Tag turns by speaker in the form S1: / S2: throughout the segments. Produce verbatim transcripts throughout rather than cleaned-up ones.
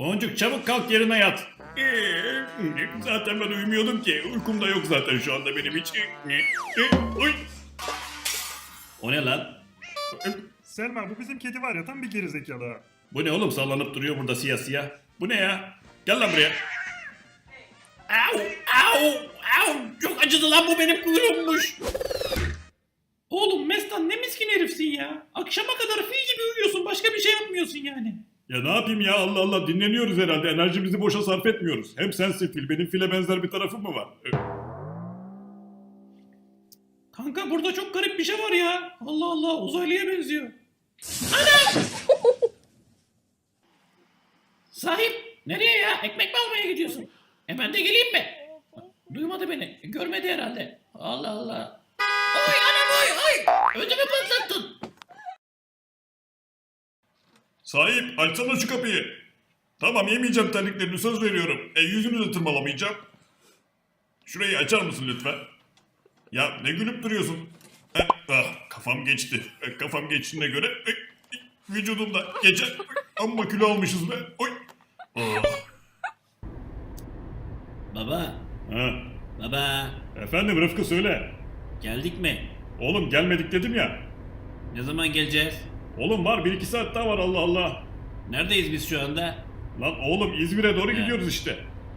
S1: Boncuk çabuk kalk yerine yat. Ee, zaten ben uyumuyordum ki. Uykum da yok zaten şu anda benim hiç. Ee, Oy. O ne lan?
S2: Selma bu bizim kedi var ya tam bir gerizekalı ha.
S1: Bu ne oğlum sallanıp duruyor burada siyah siyah. Bu ne ya? Gel lan buraya. Au au au. Çok acıdı lan bu benim kuyruğummuş.
S3: Oğlum Mestan ne miskin herifsin ya. Akşama kadar fil gibi uyuyorsun, başka bir şey yapmıyorsun yani.
S1: Ya ne yapayım ya Allah Allah dinleniyoruz herhalde. Enerjimizi boşa sarf etmiyoruz. Hem sensin fil benim file benzer bir tarafım mı var?
S3: Kanka burada çok garip bir şey var ya. Allah Allah uzaylıya benziyor. Ana! Sahip nereye ya? Ekmek mi almaya gidiyorsun? E ben de geleyim mi? Duymadı beni. Görmedi herhalde. Allah Allah. Oy anam oy oy. Ödümü patlattın.
S1: Sahip açsana şu kapıyı. Tamam yemeyeceğim terliklerini söz veriyorum. E yüzünü de tırmalamayacağım. Şurayı açar mısın lütfen? Ya ne gülüp duruyorsun? Eh, ah, kafam geçti. Eh, kafam geçtiğine göre eh, vücudumda geçen amma kilo almışız be. Oy. Oh.
S3: Baba.
S1: Ha.
S3: Baba.
S1: Efendim Rıfkı söyle.
S3: Geldik mi?
S1: Oğlum gelmedik dedim ya.
S3: Ne zaman geleceğiz?
S1: Oğlum var bir iki saat daha var Allah Allah.
S3: Neredeyiz biz şu anda?
S1: Lan oğlum İzmir'e doğru
S3: He.
S1: gidiyoruz işte.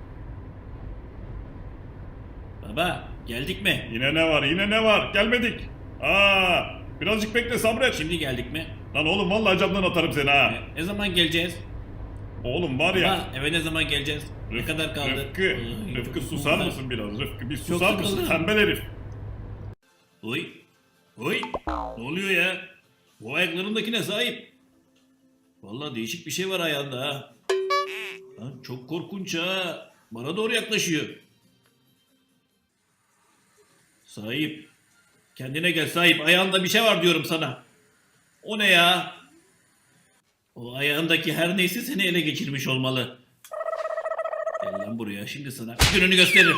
S3: Baba geldik mi?
S1: Yine ne var yine ne var gelmedik. Aa, birazcık bekle sabret.
S3: Şimdi geldik mi?
S1: Lan oğlum vallahi camdan atarım seni ha.
S3: E, ne zaman geleceğiz?
S1: Oğlum var ya.
S3: Baba eve ne zaman geleceğiz? Ne kadar kaldı?
S1: Rıfkı,
S3: Ay,
S1: Rıfkı
S3: çok
S1: susar
S3: sıkıldım.
S1: mısın biraz Rıfkı? Bir
S3: Çok
S1: susar mısın
S3: sıkıldım.
S1: tembel herif?
S3: Oy. Oy. Ne oluyor ya? Bu ayaklarındakine sahip. Vallahi değişik bir şey var ayağında ha. Lan çok korkunç ha. Bana doğru yaklaşıyor. Sahip. Kendine gel sahip. Ayağında bir şey var diyorum sana. O ne ya? O ayağındaki her neyse seni ele geçirmiş olmalı. Gel lan buraya şimdi sana gününü gösteririm.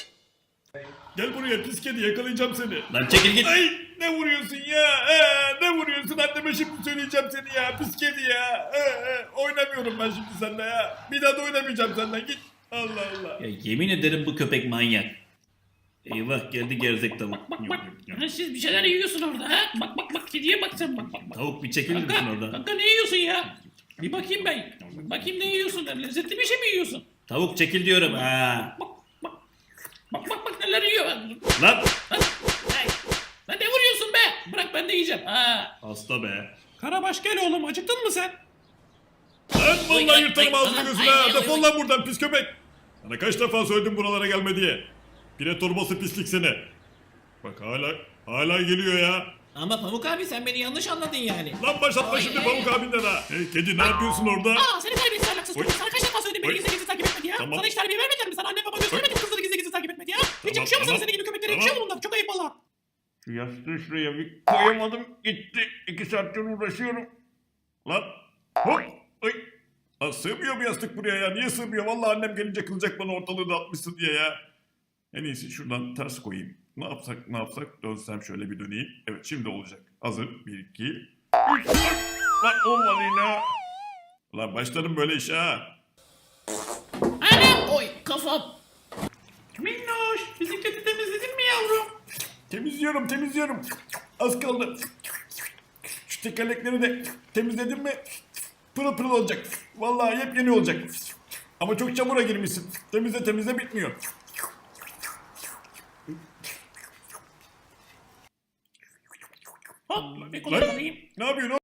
S1: Gel buraya pis kedi yakalayacağım seni.
S3: Lan çekil git.
S1: Ay ne vuruyorsun ya? Ee, ne vuruyorsun? Anneme şimdi söyleyeceğim seni ya. Pis kedi ya. Ee, e, oynamıyorum ben şimdi seninle ya. Bir daha da oynamayacağım senden git. Allah Allah.
S3: Ya yemin ederim bu köpek manyak. Eyvah geldi gerzek tavuk.
S4: Bak bak. Ya siz bir şeyler yiyorsun orada ha? Bak bak bak kediye bak sen bak bak. bak.
S3: Tavuk bir çekilir misin
S4: Kanka,
S3: oradan?
S4: kanka ne yiyorsun ya? Bir bakayım ben. Bakayım ne yiyorsun? Lezzetli bir şey mi yiyorsun?
S3: Tavuk çekil diyorum ha.
S4: Bak bak. Bak bak bak neler yiyor. Lan.
S3: Lan.
S4: Hey. Lan ne vuruyorsun be? Bırak ben de yiyeceğim. Ha.
S1: Hasta be.
S3: Karabaş gel oğlum acıktın mı sen?
S1: Lan
S4: Ay,
S1: vallahi
S4: ay,
S1: yırtarım
S4: ay,
S1: ağzını
S4: ay,
S1: gözüne.
S4: ay,
S1: ha.
S4: ay,
S1: Defol
S4: ay.
S1: lan buradan pis köpek. Sana kaç defa söyledim buralara gelme diye. Pire torbası pislik seni. Bak hala hala geliyor ya.
S4: Ama Pamuk abi sen beni yanlış anladın yani.
S1: Lan başlatma
S4: Ay,
S1: şimdi
S4: ay,
S1: Pamuk
S4: ay.
S1: abinden ha. Hey kedi ne yapıyorsun orada?
S4: Aa seni terbiyesiz ahlaksız
S1: Oy.
S4: çocuk. Sana kaç defa söyledim beni
S1: Oy.
S4: gizli gizli takip etme diye.
S1: Tamam.
S4: Sana hiç terbiye vermediler mi? Sana anne baba göstermedi mi kızları gizli gizli takip etme diye? Hiç
S1: Tamam,
S4: yakışıyor mu sana
S1: tamam.
S4: senin gibi köpeklere?
S1: Tamam.
S4: Yakışıyor mu bunlar? Çok ayıp valla.
S1: Şu yastığı şuraya bir koyamadım gitti. İki saattir uğraşıyorum. Lan hop. Ay. Lan sığmıyor bu yastık buraya ya. Niye sığmıyor? Vallahi annem gelince kızacak bana ortalığı dağıtmışsın diye ya. En iyisi şuradan ters koyayım. Ne yapsak ne yapsak dönsem şöyle bir döneyim. Evet şimdi olacak. Hazır. Bir iki. Üç. Lan olmadı yine. Lan başlarım böyle işe ha.
S4: Anam oy kafam.
S3: Minnoş bisikleti temizledin mi yavrum?
S1: Temizliyorum temizliyorum. Az kaldı. Şu tekerlekleri de temizledim mi pırıl pırıl olacak. Vallahi yepyeni olacak. Ama çok çamura girmişsin. Temizle temizle bitmiyor.
S4: Hop bir
S1: Lan
S4: kullanayım.
S1: ne yapıyorsun?